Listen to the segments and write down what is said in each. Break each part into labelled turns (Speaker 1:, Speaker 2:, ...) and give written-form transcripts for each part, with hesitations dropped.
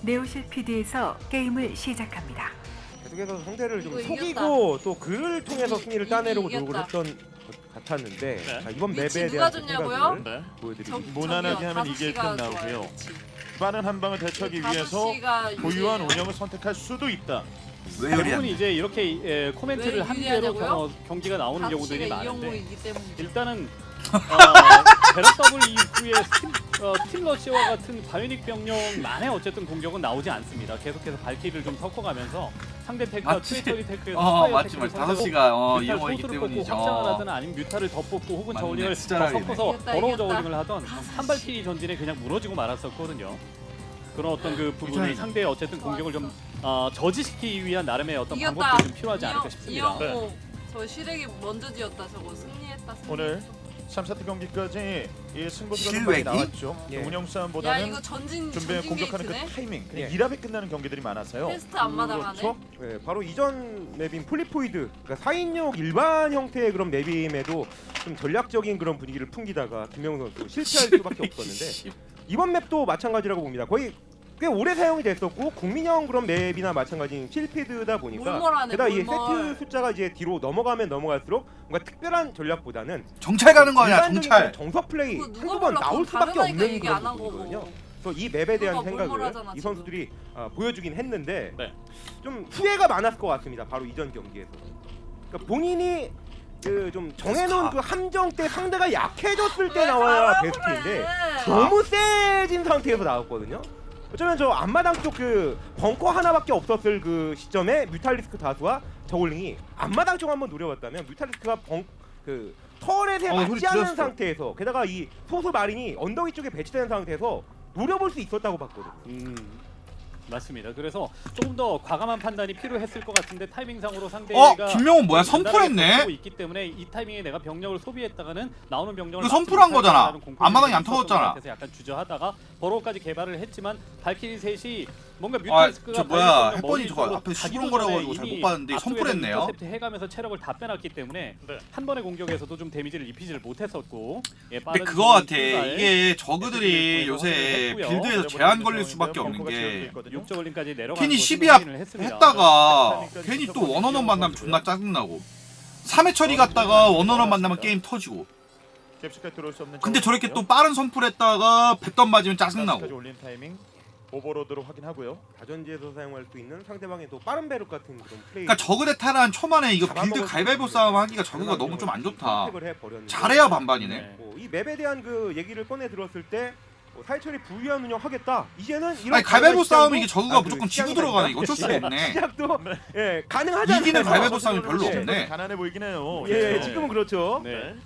Speaker 1: 네오실 PD에서 게임을 시작합니다.
Speaker 2: 계속해서 상대를 좀
Speaker 3: 이거
Speaker 2: 속이고 또 그를 통해서 승리를 따내려고
Speaker 3: 이겼다.
Speaker 2: 노력을 했던 것 같았는데
Speaker 4: 네.
Speaker 2: 자, 이번
Speaker 3: 위치
Speaker 2: 맵에
Speaker 3: 누가
Speaker 2: 대한
Speaker 3: 줬냐고요?
Speaker 2: 생각을
Speaker 4: 네.
Speaker 2: 보여드리고
Speaker 4: 무난하게 하면 이길 듯 나오고요. 빠른 한 방을 대처하기 위해서 고유한 운영을 선택할 수도 있다.
Speaker 5: 왜
Speaker 6: 대부분
Speaker 5: 요리하냐?
Speaker 6: 이제 이렇게 코멘트를
Speaker 3: 왜
Speaker 6: 한 대로
Speaker 3: 유리하냐고요?
Speaker 6: 경기가 나오는 경우들이 많은데
Speaker 3: 이용호이기 때문에
Speaker 6: 일단은 베럿 더블 이후에 스틸러시와 같은 바이오닉 병력만의 어쨌든 공격은 나오지 않습니다. 계속해서 발키를 좀 섞어가면서 상대 테크와
Speaker 5: 맞지?
Speaker 6: 트위터리 테크에서
Speaker 5: 맞지. 5시가 이용호이기
Speaker 6: 소스를 뽑고
Speaker 5: 때문이죠.
Speaker 6: 확장을 하든 아니면 뮤타를 더 뽑고 혹은
Speaker 5: 맞네,
Speaker 6: 저울링을
Speaker 5: 진짜
Speaker 6: 더
Speaker 5: 라이네.
Speaker 6: 섞어서
Speaker 3: 이겼다,
Speaker 6: 더러운
Speaker 3: 이겼다.
Speaker 6: 저울링을 하던 한발키리 전진에 그냥 무너지고 말았었거든요. 그런 어떤 그 부분이
Speaker 5: 이겼다.
Speaker 6: 상대의 어쨌든 공격을 좀 저지시키기 위한 나름의 어떤
Speaker 3: 이겼다.
Speaker 6: 방법들이 좀 필요하지 않을까 싶습니다.
Speaker 3: 이용호 저 시래기 먼저 지었다 저거 승리했다.
Speaker 4: 오늘 3세트 경기까지 이 승부수가 좀
Speaker 5: 실외기?
Speaker 4: 많이 나왔죠.
Speaker 2: 예.
Speaker 4: 운영
Speaker 3: 야
Speaker 4: 싸움보다는
Speaker 3: 이거 전진
Speaker 4: 공격하는 그
Speaker 3: 게이트네.
Speaker 4: 타이밍, 그냥
Speaker 3: 네.
Speaker 4: 1합에 끝나는 경기들이 많아서요.
Speaker 3: 테스트 앞마당하네.
Speaker 2: 그렇죠? 네, 바로 이전 맵인 폴리포이드 그러니까 4인용 일반 형태의 그런 맵임에도 좀 전략적인 그런 분위기를 풍기다가 김명훈 선수 실패할 수밖에 없었는데 이번 맵도 마찬가지라고 봅니다. 거의 꽤 오래 사용이 됐었고 국민형 그런 맵이나 마찬가지인 실피드다 보니까
Speaker 3: 몰몰하네,
Speaker 2: 게다가 이
Speaker 3: 몰몰.
Speaker 2: 세트 숫자가 이제 뒤로 넘어가면 넘어갈수록 뭔가 특별한 전략보다는
Speaker 5: 정찰 가는 거 아니야?
Speaker 2: 일반적인
Speaker 5: 정찰.
Speaker 2: 그런 정석 플레이
Speaker 3: 그거 누가
Speaker 2: 한두 번
Speaker 3: 몰라.
Speaker 2: 나올
Speaker 3: 그거
Speaker 2: 수밖에
Speaker 3: 다른
Speaker 2: 없는
Speaker 3: 얘기
Speaker 2: 그런
Speaker 3: 안한
Speaker 2: 부분이거든요.
Speaker 3: 거고.
Speaker 2: 그래서 이 맵에 대한
Speaker 3: 누가
Speaker 2: 생각을
Speaker 3: 몰몰하잖아,
Speaker 2: 이
Speaker 3: 지금.
Speaker 2: 선수들이 보여주긴 했는데
Speaker 6: 네.
Speaker 2: 좀 후회가 많았을 것 같습니다. 바로 이전 경기에서. 그러니까 본인이 그 좀 정해놓은 그 함정 때 상대가 약해졌을 때
Speaker 3: 왜
Speaker 2: 나와야
Speaker 3: 잘하고
Speaker 2: 베스트인데
Speaker 3: 그래?
Speaker 2: 너무 세진 상태에서 나왔거든요. 어쩌면 저 앞마당 쪽 그 벙커 하나밖에 없었을 그 시점에 뮤탈리스크 다수와 저글링이 앞마당 쪽 한번 노려봤다면 뮤탈리스크가 그 터렛에
Speaker 5: 소리
Speaker 2: 맞지 않는
Speaker 5: 들었어.
Speaker 2: 상태에서 게다가 이 소수 마린이 언덕 위쪽에 배치된 상태에서 노려볼 수 있었다고 봤거든요.
Speaker 6: 맞습니다. 그래서 조금 더 과감한 판단이 필요했을 것 같은데 타이밍상으로 상대가
Speaker 5: 김명훈 뭐야?
Speaker 6: 단단하게
Speaker 5: 선풀했네?
Speaker 6: 버티고 있기 때문에 이 타이밍에 내가 병력을 소비했다가는 나오는 병력을
Speaker 5: 이거 선풀한
Speaker 6: 막지
Speaker 5: 거잖아.
Speaker 6: 못할 거라는
Speaker 5: 앞마당이 안
Speaker 6: 공포심이 있었던
Speaker 5: 터졌잖아.
Speaker 6: 것 같아서 약간 주저하다가 버로우까지 개발을 했지만 발키리 셋이 뭔가
Speaker 5: 저
Speaker 6: 뮤탈스크가
Speaker 5: 뭐야, 햇번이 저거 앞에 시끄러워가지고 잘 못 봤는데 선풀했네요.
Speaker 6: 인터셉트 해가면서 체력을 다 빼놨기 때문에
Speaker 4: 네.
Speaker 6: 한 번의 공격에서도 좀 데미지를 입히지를 못했었고
Speaker 5: 근데
Speaker 6: 빠른
Speaker 5: 그거 같아.
Speaker 6: 출발,
Speaker 5: 이게 저그들이 요새
Speaker 6: 했고요.
Speaker 5: 빌드에서 제한 걸릴 수밖에 없는 게
Speaker 6: 육저글링까지 내려가는
Speaker 5: 괜히
Speaker 6: 것을
Speaker 5: 12합
Speaker 6: 확인을 했습니다.
Speaker 5: 했다가 괜히 또 원원원 만나면 존나 짜증나고 3회 처리 갔다가 원원원 만나면 게임 터지고
Speaker 4: 캡슐까지 들어올 수 없는
Speaker 5: 근데 저렇게
Speaker 4: 정도고요.
Speaker 5: 또 빠른 선풀했다가 뱃덤 맞으면
Speaker 4: 까지
Speaker 5: 짜증나고
Speaker 4: 올린 타이밍 오버로드로 확인하고요.
Speaker 2: 다전지에서 사용할 수 있는 상대방의 또 빠른 배럭 같은 그런 플레이.
Speaker 5: 그러니까 저그 대 타란 초반에 이거 빌드 가위바위보 싸움 하기가 저그가 너무 좀 안 좋다. 잘해야 반반이네.
Speaker 2: 이 맵에 대한 그 얘기를 꺼내 들었을 때 사회철이 부유한 운영 하겠다. 이제는 이런
Speaker 5: 아니 가위바위보
Speaker 2: 시장도-
Speaker 5: 싸움은 이게 저그가
Speaker 2: 그
Speaker 5: 무조건 지고
Speaker 2: 시장이다.
Speaker 5: 들어가네. 이거 어쩔 수가 없네.
Speaker 2: 시작도 가능하지 않나요?
Speaker 5: 이기는 가위바위보 싸움이 별로
Speaker 2: 예.
Speaker 5: 없네.
Speaker 4: 가난해 보이긴 해요.
Speaker 2: 예, 지금은 그렇죠.
Speaker 6: 네.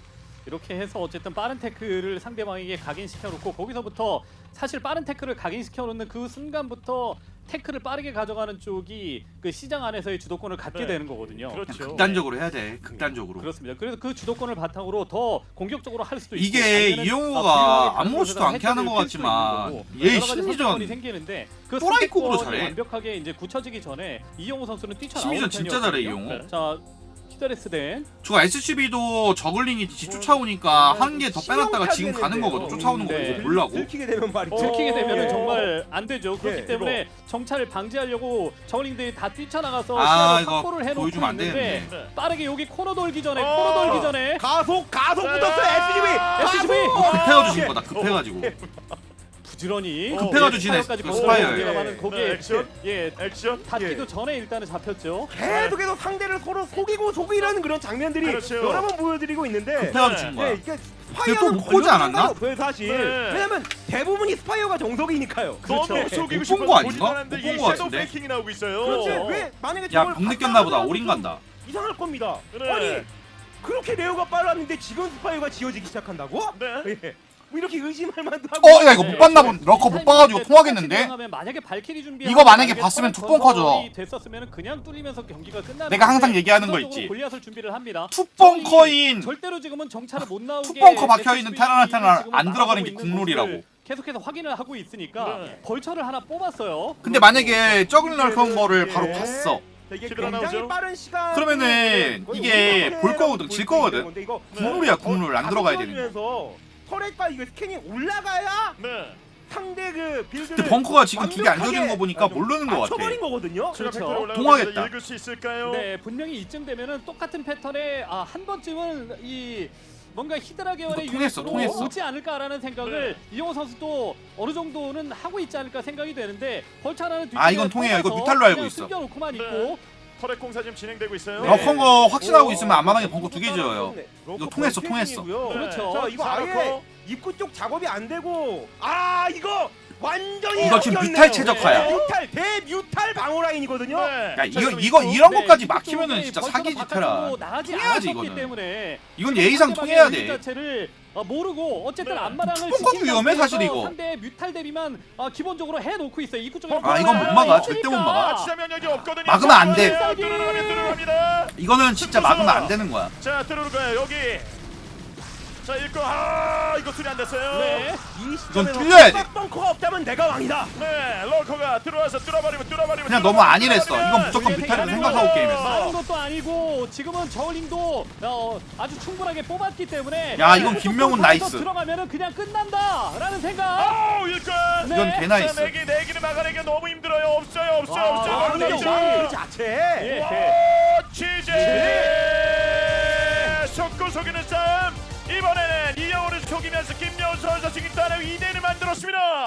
Speaker 6: 이렇게 해서 어쨌든 빠른 태클을 상대방에게 각인시켜놓고 거기서부터 사실 빠른 태클을 각인시켜놓는 그 순간부터 태클을 빠르게 가져가는 쪽이 그 시장 안에서의 주도권을 갖게
Speaker 4: 네.
Speaker 6: 되는 거거든요.
Speaker 4: 그렇죠.
Speaker 5: 극단적으로 해야 돼. 극단적으로.
Speaker 6: 그렇습니다. 그래서 그 주도권을 바탕으로 더 공격적으로 할 수도 있고
Speaker 5: 이게
Speaker 6: 아니면은
Speaker 5: 이용호가
Speaker 6: 불리하게
Speaker 5: 아무렇지도 않게 하는 것
Speaker 6: 혜택을 필 수도
Speaker 5: 같지만
Speaker 6: 있는 거고,
Speaker 5: 얘
Speaker 6: 여러 가지
Speaker 5: 심리전
Speaker 6: 선택권이 생기는데 그
Speaker 5: 또라이급으로
Speaker 6: 선택권이
Speaker 5: 잘해.
Speaker 6: 완벽하게 이제 굳혀지기 전에 이용호 선수는 뛰쳐나오는
Speaker 5: 심리전 진짜 잘해,
Speaker 6: 편이었거든요.
Speaker 5: 이용호.
Speaker 6: 자, 히더레스덴
Speaker 5: 저 SCB도 저글링이 쫓아오니까 한 개 더 빼놨다가 지금 가는 거거든. 쫓아오는 거
Speaker 6: 네.
Speaker 5: 이거 보려고.
Speaker 2: 들키게 되면 말이죠.
Speaker 6: 들키게 되면은
Speaker 2: 예.
Speaker 6: 정말 안 되죠. 그렇기
Speaker 2: 예,
Speaker 6: 때문에 정찰을 방지하려고 저글링들이 다 뛰쳐나가서
Speaker 5: 아,
Speaker 6: 시야를
Speaker 5: 이거
Speaker 6: 확보를 해놓고
Speaker 5: 보여주면 안
Speaker 6: 있는데
Speaker 5: 되는데.
Speaker 6: 빠르게 여기 코너 돌기 전에 코너 돌기 전에
Speaker 2: 가속 붙었어 SGV.
Speaker 6: SGV!
Speaker 5: 급해가지고 진 거다. 급해가지고.
Speaker 6: 부지런히
Speaker 5: 급해가지고 지네.
Speaker 6: 스파이어까지
Speaker 5: 그 스파이어.
Speaker 6: 들어가는 거기에
Speaker 4: 네, 액션.
Speaker 6: 예
Speaker 4: 액션.
Speaker 6: 닿기도 전에 일단은 잡혔죠.
Speaker 2: 계속해서 상대를 서로 속이는 그런 장면들이
Speaker 4: 그렇죠.
Speaker 2: 여러 번 보여드리고 있는데
Speaker 5: 급해가지고 진 거야.
Speaker 2: 이게
Speaker 5: 근데 또못 보지 않았나?
Speaker 2: 없어요 사실.
Speaker 4: 네.
Speaker 2: 왜냐면 대부분이 스파이어가 정석이니까요.
Speaker 4: 너무
Speaker 2: 네.
Speaker 4: 속이고
Speaker 5: 못
Speaker 4: 싶은
Speaker 5: 본 거 아닌가?
Speaker 4: 보지도 않았는데
Speaker 5: 못 본
Speaker 4: 이
Speaker 5: 거
Speaker 4: 섀도우
Speaker 5: 같은데?
Speaker 4: 페이킹이 나오고 있어요.
Speaker 2: 그렇지.
Speaker 6: 어.
Speaker 2: 왜 만약에
Speaker 5: 야,
Speaker 2: 저걸
Speaker 5: 공 느꼈나 보다.
Speaker 2: 바꿔
Speaker 5: 올인
Speaker 2: 좀
Speaker 5: 간다.
Speaker 2: 이상할 겁니다.
Speaker 4: 그래.
Speaker 2: 아니 그렇게 레어가 빨랐는데 지금 스파이어가 지어지기 시작한다고?
Speaker 4: 네.
Speaker 2: 예. 뭐 이렇게 의심할 만도 하고.
Speaker 5: 야 이거 못 봤나 본. 러커 못 봐가지고 통하겠는데.
Speaker 6: 만약에 발키리 준비
Speaker 5: 이거 만약에 봤으면 투 벙커죠.
Speaker 6: 됐었으면 그냥 뚫리면서 경기가 끝나는.
Speaker 5: 내가 항상
Speaker 6: 건데
Speaker 5: 얘기하는 거
Speaker 6: 우선적으로
Speaker 5: 있지.
Speaker 6: 골리앗을 준비를 합니다.
Speaker 5: 투벙커인
Speaker 6: 절대로 지금은 정찰을 못 나오게
Speaker 5: 투벙커 박혀 있는
Speaker 6: SSB
Speaker 5: 테란한테는
Speaker 6: 지금은
Speaker 5: 안 들어가는
Speaker 6: 막아보고
Speaker 5: 게
Speaker 6: 있는
Speaker 5: 국룰이라고.
Speaker 6: 모습을 계속해서 확인을 하고 있으니까
Speaker 4: 네.
Speaker 6: 벌처를 하나 뽑았어요.
Speaker 5: 근데 만약에 저글 널컨 거를 바로
Speaker 2: 예.
Speaker 5: 봤어.
Speaker 2: 자, 이게
Speaker 4: 시드라
Speaker 2: 굉장히
Speaker 4: 나오죠?
Speaker 2: 빠른 시간.
Speaker 5: 그러면은 이게 볼 거거든, 질 거거든. 국룰이야, 국룰. 안 들어가야 되는
Speaker 2: 거. 터렛과 이거 스캔이 올라가야
Speaker 4: 네.
Speaker 2: 상대 그 빌드를
Speaker 5: 근데 벙커가 지금 두 개 안
Speaker 2: 완벽하게
Speaker 5: 져주는 거 보니까 모르는 거 같아.
Speaker 2: 맞춰버린 거거든요.
Speaker 4: 추가
Speaker 6: 그렇죠.
Speaker 4: 팩토리 올라가면서
Speaker 5: 통하겠다.
Speaker 4: 읽을 수 있을까요?
Speaker 6: 네, 분명히 이쯤 되면은 똑같은 패턴에 한 번쯤은 이 뭔가 히드라 계열의
Speaker 5: 이거 통했어,
Speaker 6: 유닛으로
Speaker 5: 통했어.
Speaker 6: 오지 않을까라는 생각을 이영호 선수도 어느 정도는 하고 있지 않을까 생각이 되는데 벌차라는
Speaker 5: 아, 이건 통해요. 이거 뮤탈로 알고 있어.
Speaker 6: 숨겨놓고만
Speaker 4: 네.
Speaker 6: 있고
Speaker 4: 터렛 공사 지금 진행되고 있어요.
Speaker 6: 네.
Speaker 5: 럭컨 거 확신하고 있으면 앞마당에 벙커 2개 지어요. 이거 통했어, 통했어.
Speaker 6: 그렇죠.
Speaker 2: 자, 이거 아예
Speaker 4: 사놓고.
Speaker 2: 입구 쪽 작업이 안 되고 이거 완전히
Speaker 5: 이거 지금
Speaker 2: 바뀌었네요.
Speaker 5: 뮤탈 최적화야.
Speaker 2: 뮤탈 대뮤탈 방어 라인이거든요.
Speaker 4: 네.
Speaker 5: 야,
Speaker 4: 자,
Speaker 5: 이런
Speaker 6: 네,
Speaker 5: 것까지
Speaker 6: 이쪽
Speaker 5: 막히면은
Speaker 6: 쪽에
Speaker 5: 진짜
Speaker 6: 벌처가
Speaker 5: 사기지 테라.
Speaker 6: 바깥으로 나가지
Speaker 5: 통해야지,
Speaker 6: 않았기
Speaker 5: 이거는.
Speaker 6: 때문에
Speaker 5: 이건 예의상 통해야
Speaker 6: 유닛
Speaker 5: 돼.
Speaker 6: 자체를 모르고 어쨌든
Speaker 4: 네.
Speaker 6: 앞마당을
Speaker 5: 투pon까지
Speaker 6: 지킨
Speaker 5: 위험해,
Speaker 6: 상태에서
Speaker 5: 사실 이거.
Speaker 6: 상대 뮤탈 대비만 기본적으로 해놓고 있어요. 입구 쪽에
Speaker 5: 아, 이건 못 막아. 절대 못 막아.
Speaker 4: 아, 치자 면역이 없거든요.
Speaker 5: 막으면 안 돼.
Speaker 4: 들어갑니다.
Speaker 5: 이거는 진짜 막으면 안 되는 거야.
Speaker 4: 자, 들어오고요. 여기. 자, 읽고 이거 수리 안 됐어요.
Speaker 6: 네.
Speaker 2: 이 시점에서
Speaker 5: 틀려야 돼.
Speaker 2: 벙커가 없다면 내가 왕이다.
Speaker 4: 네, 럴커가 들어와서 뚫어버리면
Speaker 5: 그냥 너무 안일했어. 이건 무조건 뮤탈이라고 생각하고 게임했어.
Speaker 6: 많은 것도 아니고 지금은 저울링도 아주 충분하게 뽑았기 때문에
Speaker 5: 야, 이건 김명훈 나이스.
Speaker 6: 들어가면은 그냥 끝난다라는 생각.
Speaker 4: 일꾼.
Speaker 6: 네.
Speaker 5: 이건 개나이스.
Speaker 4: 자, 내기를 막아내기가 너무 힘들어요. 없어요.
Speaker 2: 왕의
Speaker 6: 그렇죠.
Speaker 2: 왕 자체.
Speaker 6: 예.
Speaker 4: 취재. 속고 속이는 싸움. 이번에는 이영호를 속이면서 김명훈 선수가 지금 따라 2대1을 만들었습니다.